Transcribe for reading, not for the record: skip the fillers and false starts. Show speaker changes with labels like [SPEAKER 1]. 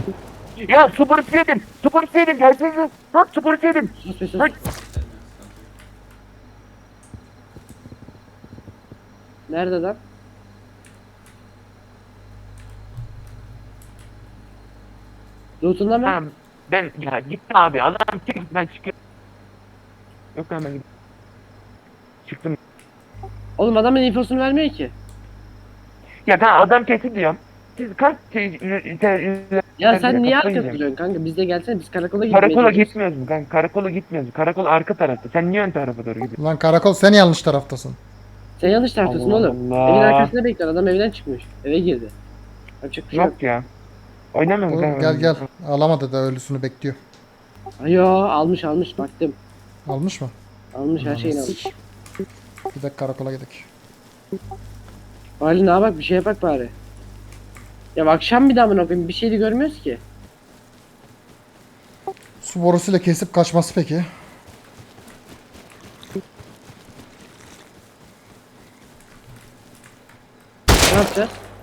[SPEAKER 1] Ya su borusu yedim. Su borusu yedim. Gelsene. Bak su borusu yedim.
[SPEAKER 2] Sus be sus.
[SPEAKER 1] Bak.
[SPEAKER 2] Nerede lan? Loot'unda mı?
[SPEAKER 1] Tamam. Ben ya gitti abi. Adam çık ben çıkıyorum. Yok lan ben gidiyorum. Çıktım.
[SPEAKER 2] Oğlum adamın infosunu vermiyor ki.
[SPEAKER 1] Ya ben adam kesin diyorum. Siz kaç şey
[SPEAKER 2] Ya sen niye
[SPEAKER 1] kafayı
[SPEAKER 2] arkada
[SPEAKER 1] yiyeceğim.
[SPEAKER 2] duruyorsun kanka? Biz de gelsene, biz karakola gitmeye
[SPEAKER 1] Karakola
[SPEAKER 2] çalışıyoruz.
[SPEAKER 1] gitmiyoruz mu kanka? Karakola gitmiyoruz. Karakol arka tarafta. Sen niye ön tarafa doğru gidiyorsun?
[SPEAKER 3] Lan karakol sen yanlış taraftasın.
[SPEAKER 2] Sen yanlış taraftasın
[SPEAKER 1] Allah
[SPEAKER 2] oğlum. Evin
[SPEAKER 1] Allah.
[SPEAKER 2] arkasında bekler, adam evden çıkmış. Eve girdi. Yapacak bir şey yok.
[SPEAKER 1] Yok ya. Oynamıyorum
[SPEAKER 3] Dur gel
[SPEAKER 1] kanka.
[SPEAKER 3] gel. Alamadı da ölüsünü bekliyor.
[SPEAKER 2] Ayo almış baktım.
[SPEAKER 3] Almış mı?
[SPEAKER 2] Almış, her şeyini almış.
[SPEAKER 3] Gidelim karakola gidelim.
[SPEAKER 2] Bari ne bak, bir şeye bak bari. Ya akşam bir daha mı koyayım, bir şey de görmüyoruz ki.
[SPEAKER 3] Su borusuyla kesip kaçması peki?
[SPEAKER 2] Ne yapacağız?